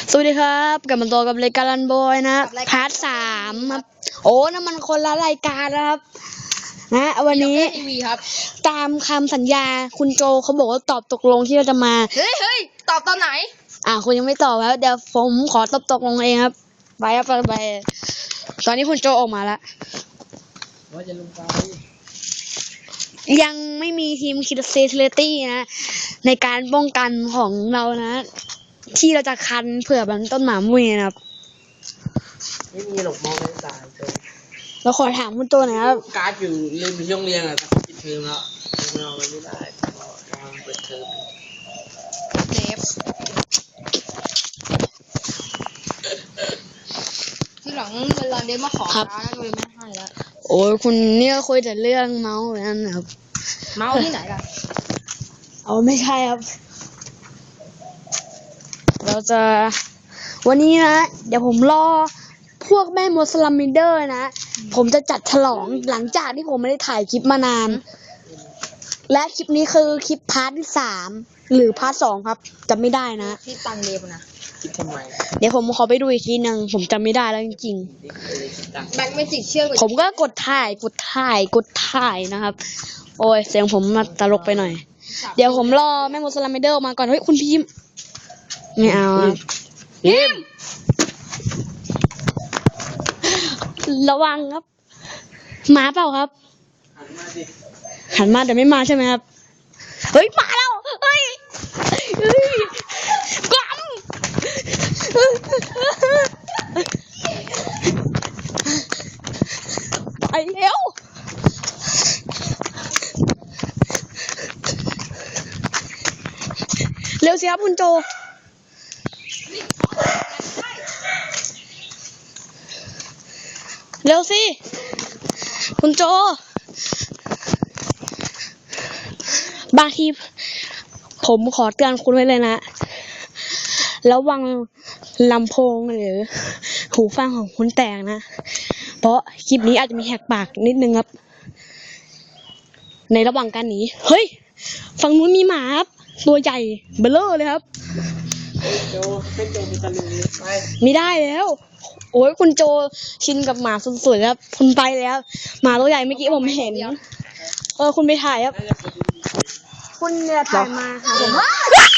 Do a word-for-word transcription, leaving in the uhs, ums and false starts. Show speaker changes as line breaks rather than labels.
สวัสดีครับกลับมาต่อกับรายการรันบอยนะพาร์ทสามครับโอ้นั่นมันคนละรายการนะครับนะวันนี้ตามคำสัญญาคุณโจเขาบอกว่าตอบตกลงที่เราจะมา
เฮ้ยเฮ้ยตอบตอนไหน
อ่าคุณยังไม่ตอบครับเดี๋ยวผมขอตอบตกลงเองครับไปครับไปไปตอนนี้คุณโจออกมาแล้วว่าจะลงไปยังไม่มีทีมคิดเซทเลตี้นะในการป้องกันของเรานะที่เราจะคันเผื่อมันต้นหมามุ้ยนะครับ
ไม่มีหรอกมองไม่ตายโจ
เราขอถามคุณโจหน่อยครับ
การ์ดอยู่ลืมไปช่วงเรียนอ่ะแต่ปิดเทอมแล้วไม่เอาไปไม่ได้เพราะกำลังเปิดเทอม
เนฟที่หลังเวลาเดฟมาขอร้านเลยไม่ให้แล้ว
โอ้ยคุณเนี่ยคุยแต่เรื่องเมาส์นั่นนะครับ
เมาส์ที่ไหนล่ะ
เอาไม่ใช่ครับเราจะวันนี้นะเดี๋ยวผมรอพวกแม่มดสลัมมิเดอร์นะผมจะจัดฉลองหลังจากที่ผมไม่ได้ถ่ายคลิปมานานและคลิปนี้คือคลิปพาร์ทที่สามหรือพาร์ทสองครับจำไม่ได้นะ
ที่ตังเดฟนะ
คิดทำไม
เดี๋ยวผมขอไปดูอีกทีนึงผมจำไม่ได้แล้วจริง
ๆแบงค์ไม่ติดเชื่อ
ผมก็กดถ่ายกดถ่ายกดถ่ายนะครับโอ้ยเสียงผมมาตลกไปหน่อยเดี๋ยวผมรอแม่มดสลัมมิเดอร์มาก่อนเฮ้ยคุณพิมไม่เอา
พิม
ระวังครับมาเปล่าครับ
หันมาดิ
หันมาแต่ไม่มาใช่ไหมครับเฮ้ยมาแล้วเฮ้ยเฮ้ยกลัมไปเร็วเร็วสิครับคุณโจเร็วสิคุณโจบางทีผมขอเตือนคุณไว้เลยนะระวังลำโพงหรือหูฟังของคุณแตกนะเพราะคลิปนี้อาจจะมีแหกปากนิดนึงครับในระหว่างการหนีเฮ้ยฝั่งนู้นมีหมาครับตัวใหญ่เบลอเลยครับ
โจเป็นโจมีตะลุยไป
ไม่ได้แล้วโอ้ยคุณโจชินกับหมาสุดๆครับคุณไปแล้วหมาตัวใหญ่เมื่อกี้ผมเห็นเออคุณไปถ่ายครับคุณเนี่ยถ่ายมาค่ะผม